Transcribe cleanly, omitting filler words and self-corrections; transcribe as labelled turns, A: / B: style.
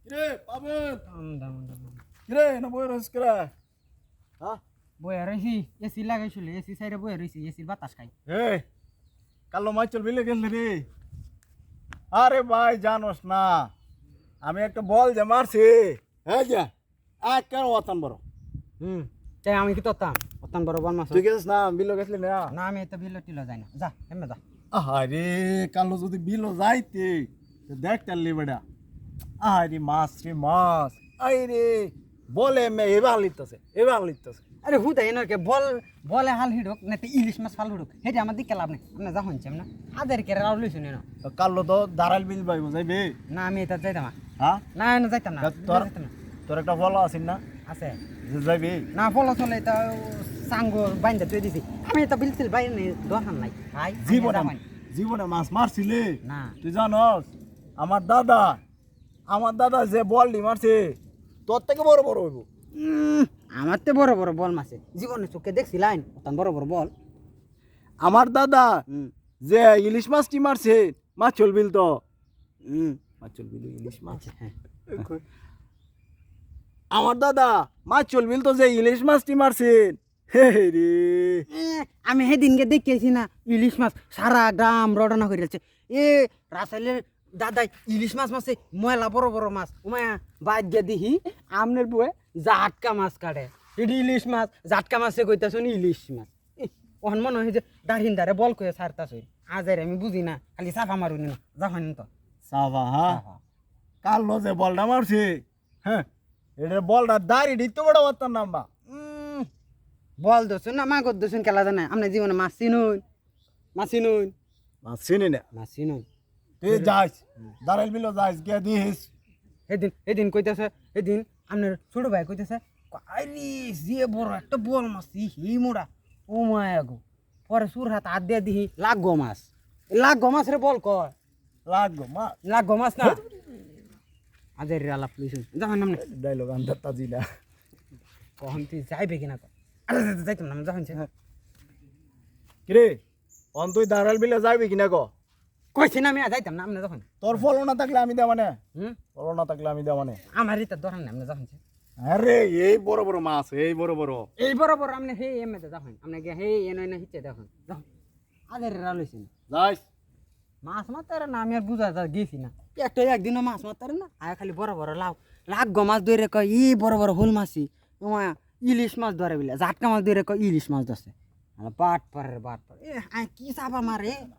A: কিরে পাবেন
B: দাম
A: কিরে না বই রস করে হ্যাঁ
B: বইয়া রয়েছি এসি লাগাইছিল এসি সাইডে বইয়া রয়েছি এসির বাতাস খাই
A: এই কালো মাছ চল বিলে গেল রে আরে ভাই জানোস না আমি একটা বল যে মারছি হ্যাঁ যা এক কেন ওতান বড়
B: তাই আমি কি তোতাম অতান বড় বল মাছ
A: তুই গেছিস না বিলো গেছিলি না
B: না আমি তো বিলো টিলো যাই না যা এমনি যা
A: আরে কালো যদি বিলো যাইতে তো দেখ তাল্লি বেটা আরে মাছ রে মাছ আরে বলে মে এবার লিখতেছে
B: আরে হুদাই না কে বল বলে হাল হিডুক না তো ইলিশ মাছ ফাল হিডুক হেটা আমার দিকে লাভ নেই আপনি যা হইছেন না আদের কে রাও লইছেন না
A: তো কালো তো দাঁড়াল বিল পাইব যাইবে
B: না আমি এটা যাইতাম না
A: হ্যাঁ
B: না না যাইতাম না
A: তোর
B: যাইতাম না
A: তোর একটা বলা আছিস না
B: আছে
A: যে যাইবি
B: না ফলো চলে এটা সাঙ্গো বাইন্দা তুই দিছি আমি এটা বিলছিল বাইরে নেই দরকার নাই ভাই
A: জীবনে মাছ মারছিলে
B: না
A: তুই জানস আমার দাদা যে বলটি মারছে তোর থেকে বড় বড় হইব
B: আমার তো বড় বড় বল মাছে জীবনে চোখে দেখছিলাম অতান বড় বড় বল
A: আমার দাদা যে ইলিশ মাছটি মারছে মাছ চলবিল তো মাছ চলবিল ইলিশ মাছ
B: হ্যাঁ
A: আমার দাদা মাছ চলবিল তো যে ইলিশ মাছটি মারছে হে রে
B: আমি সেদিনকে দেখেছি না ইলিশ মাছ সারা গ্রাম রটনা করে যাচ্ছে এ রাসাইলের দাদাই ইলিশ মাছ মাছে ময়লা বড় বড় মাছ উমায়া বাদ গিয়ে দেখি আমনের বয়ে জাটকা মাছ কাটে এটি ইলিশ মাছ জাটকা মাছে কইতাছ ইলিশ মাছ ওখান মনে হয় যে দাঁড়িন দাঁড়ে বল কয়ে সারতাছ আজের আমি বুঝি না খালি সাফা মারুনি না যখন তো
A: সাফা হ্যাঁ কালো যে বলটা মারছে হ্যাঁ এটা বলটা দাঁড়ি দিতে বড় বার্তার নাম্বা
B: বল দোসুন না মাগর দোসুন খেলা জানে আপনার জীবনে মাছ চিনুন
A: মাছ চিনি না
B: মাছ চিনুন
A: তুই যাইস দাঁড়াইল বিলো যাইস গিয়ে দিস
B: এদিন কইতেছে এদিন আপনার ছোট ভাই কইতেছে আরে যে বড় একটা বল মাছ হি মোড়া ও মায়া গো পরে সুর হাত হাত দিয়ে দিহি লাগো মাছ রে বল কয় লাগো মাছ না আজের আলাপ লইছুন যখন নামনে
A: ডাইলগ আন্দার তাজিলা
B: কখন তুই যাইবে কিনা আরে যাইতাম না যখন
A: কিরে অন তুই দাঁড়াল বিলে যাইবি কিনা ক
B: কইছি না আমি যাইতাম না আপনি যখন
A: তোর ফলো না থাকলে আমি দেওয়া মানে ফলো না থাকলে আমি দেওয়া মানে
B: আমারই তো ধরেন না আপনি যখন
A: আরে এই বড় বড় মাছ এই বড় বড়
B: আপনি হে এমএতে যখন আপনি গিয়ে হে এনে হিচে দেখুন যখন আদের রালইছেন
A: যাইস
B: মাছ মারতারে না আমি আর বুঝা গেছি না একটা একদিনও মাছ মারতারে না আয়া খালি বড় বড় লাগো মাছ ধরে কয় ই বড় বড় হোল মাছি তোমার ইলিশ মাছ ধরে বিলে জাটকা মাছ ধরে কয় ইলিশ মাছ ধরছে বাট পারে এ কি চাপা মারে